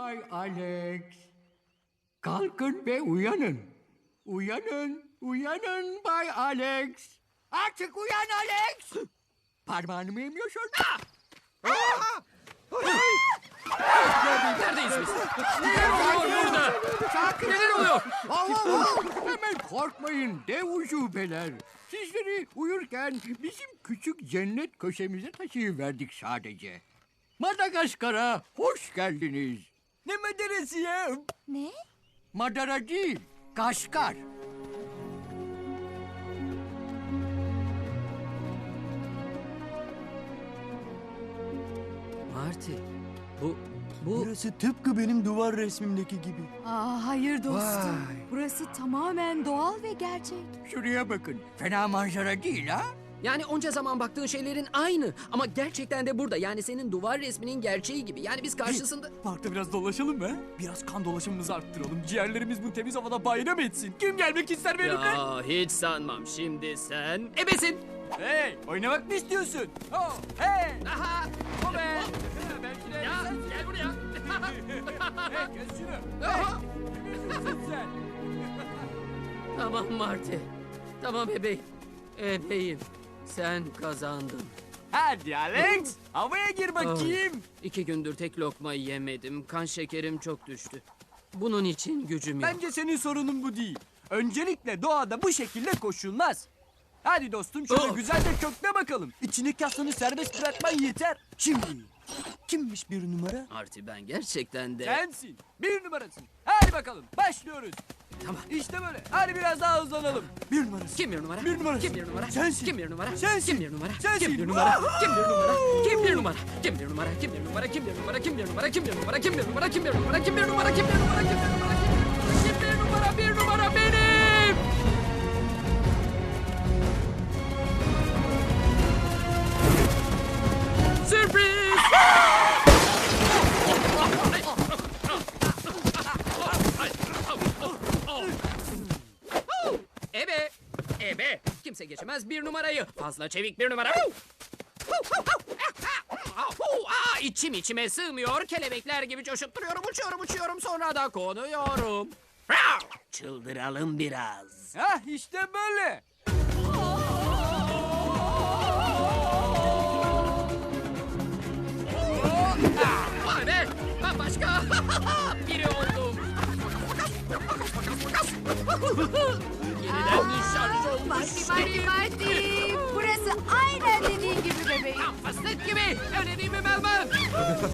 Bay Alex. Kalkın ve uyanın. Uyanın, uyanın Bay Alex. Artık uyan Alex. Parmağını mı yemiyorsun? Neredeyiz biz? Neler oluyor burada? Sakin Neler olun. oluyor? Hemen korkmayın dev ucubeler. Sizleri uyurken bizim küçük cennet köşemize taşıyıverdik sadece. Madagaskar'a hoş geldiniz. Ne madarası ya? Ne? Madara değil, Kaşkar. Marty, bu... Burası tıpkı benim duvar resmimdeki gibi. Aa, hayır dostum. Vay. Burası tamamen doğal ve gerçek. Şuraya bakın. Fena manzara değil ha? Yani onca zaman baktığın şeylerin aynı. Ama gerçekten de burada. Yani senin duvar resminin gerçeği gibi. Yani biz karşısında... Parkta biraz dolaşalım mı? Biraz kan dolaşımımızı arttıralım. Ciğerlerimiz bu temiz havada bayram etsin. Kim gelmek ister benimle? Ya hiç sanmam. Şimdi sen... Ebesin! Hey, oynamak mı istiyorsun? Oh, hey, Aha! o be. Belki de Ya gel buraya. Hey, kes şunu. Aha! Kimsin sen? Tamam Marty. Tamam bebeğim. Bebeğim. Sen kazandın. Hadi Alex, havaya gir bakayım. 2 gündür tek lokma yemedim. Kan şekerim çok düştü. Bunun için gücüm yok. Bence senin sorunun bu değil. Öncelikle doğada bu şekilde koşulmaz. Hadi dostum şöyle Oh. güzel de kökle bakalım. İçindeki aslanı serbest bırakman yeter. Şimdi kimmiş bir numara? Marty ben gerçekten de... Sensin. Bir numarasın. Hadi bakalım başlıyoruz. Tamam. İşte böyle. Hadi biraz daha hızlanalım. Bir numarası. Kim bir numara? Bir numarası. Kim bir numara? Sensin. Kim bir numara? Sensin. Kim bir numara? Sensin. Kim bir numara? Woohoo! Kim bir numara? Kim bir numara? Kim bir numara? Kim bir numara? Kim bir numara? Kim bir numara? Kim bir numara? Kim bir numara? Kim bir numara? Kim bir numara? Kim bir numara? Kim bir numara? Kim bir numara? Bir numara benim. Sürpriz! Ebe! Ebe! Kimse geçemez bir numarayı. Fazla çevik bir numara. İçim içime sığmıyor. Kelebekler gibi coşup duruyorum. Uçuyorum sonra da konuyorum. Çıldıralım biraz. Hah işte böyle. Vay be! Ben başka biri oldum. Yeniden şarj olmuş. Marty. Burası aynen dediğin gibi bebeğim. Fıstık gibi. Öyle değil mi Melman?